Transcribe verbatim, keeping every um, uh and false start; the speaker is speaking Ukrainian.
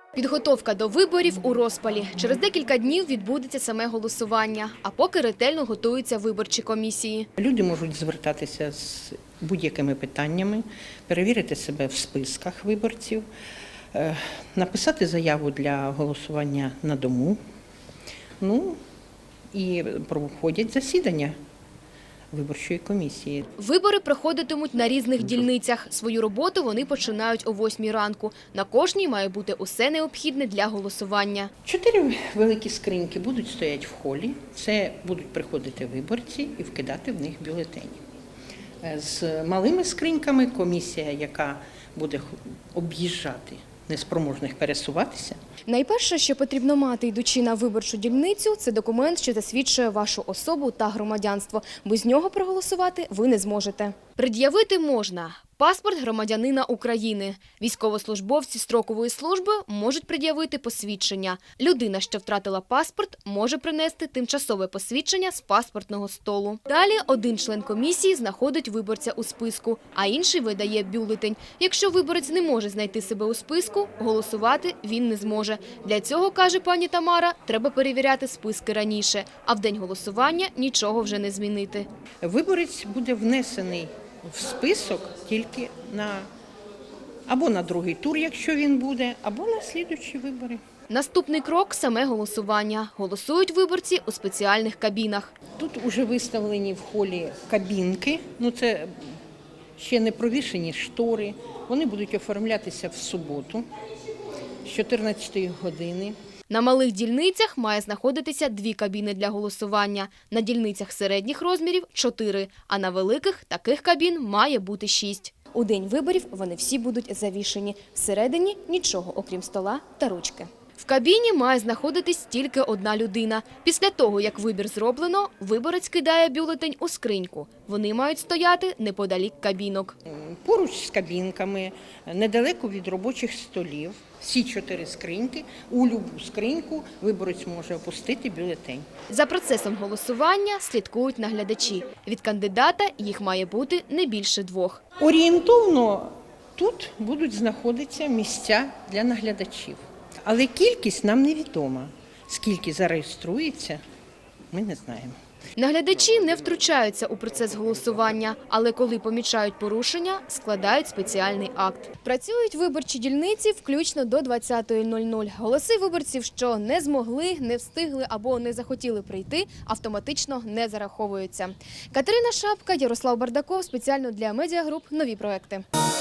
Підготовка до виборів у розпалі. Через декілька днів відбудеться саме голосування, а поки ретельно готуються виборчі комісії. Люди можуть звертатися з будь-якими питаннями, перевірити себе в списках виборців, написати заяву для голосування на дому, ну і проходять засідання виборчої комісії. Вибори проходитимуть на різних дільницях. Свою роботу вони починають о восьмій ранку. На кожній має бути усе необхідне для голосування. Чотири великі скриньки будуть стояти в холі. Це будуть приходити виборці і вкидати в них бюлетені. З малими скриньками комісія, яка буде об'їжджати неспроможних пересуватися. Найперше, що потрібно мати, йдучи на виборчу дільницю, це документ, що засвідчує вашу особу та громадянство. Без нього проголосувати ви не зможете. Пред'явити можна паспорт громадянина України. Військовослужбовці строкової служби можуть пред'явити посвідчення. Людина, що втратила паспорт, може принести тимчасове посвідчення з паспортного столу. Далі один член комісії знаходить виборця у списку, а інший видає бюлетень. Якщо виборець не може знайти себе у списку, голосувати він не зможе. Для цього, каже пані Тамара, треба перевіряти списки раніше, а в день голосування нічого вже не змінити. Виборець буде внесений в список тільки на або на другий тур, якщо він буде, або на слідуючі вибори. Наступний крок – саме голосування. Голосують виборці у спеціальних кабінах. Тут вже виставлені в холі кабінки, ну це ще не провішені штори. Вони будуть оформлятися в суботу з чотирнадцятої години. На малих дільницях має знаходитися дві кабіни для голосування. На дільницях середніх розмірів – чотири, а на великих таких кабін має бути шість. У день виборів вони всі будуть завішені. Всередині – нічого, окрім стола та ручки. В кабіні має знаходитись тільки одна людина. Після того, як вибір зроблено, виборець кидає бюлетень у скриньку. Вони мають стояти неподалік кабінок. Поруч з кабінками, недалеко від робочих столів, всі чотири скриньки, у любу скриньку виборець може опустити бюлетень. За процесом голосування слідкують наглядачі. Від кандидата їх має бути не більше двох. Орієнтовно тут будуть знаходитися місця для наглядачів. Але кількість нам невідома. Скільки зареєструється, ми не знаємо. Наглядачі не втручаються у процес голосування, але коли помічають порушення, складають спеціальний акт. Працюють виборчі дільниці включно до двадцятої нуль-нуль. Голоси виборців, що не змогли, не встигли або не захотіли прийти, автоматично не зараховуються. Катерина Шапка, Ярослав Бардаков, спеціально для Медіагруп «Нові проекти».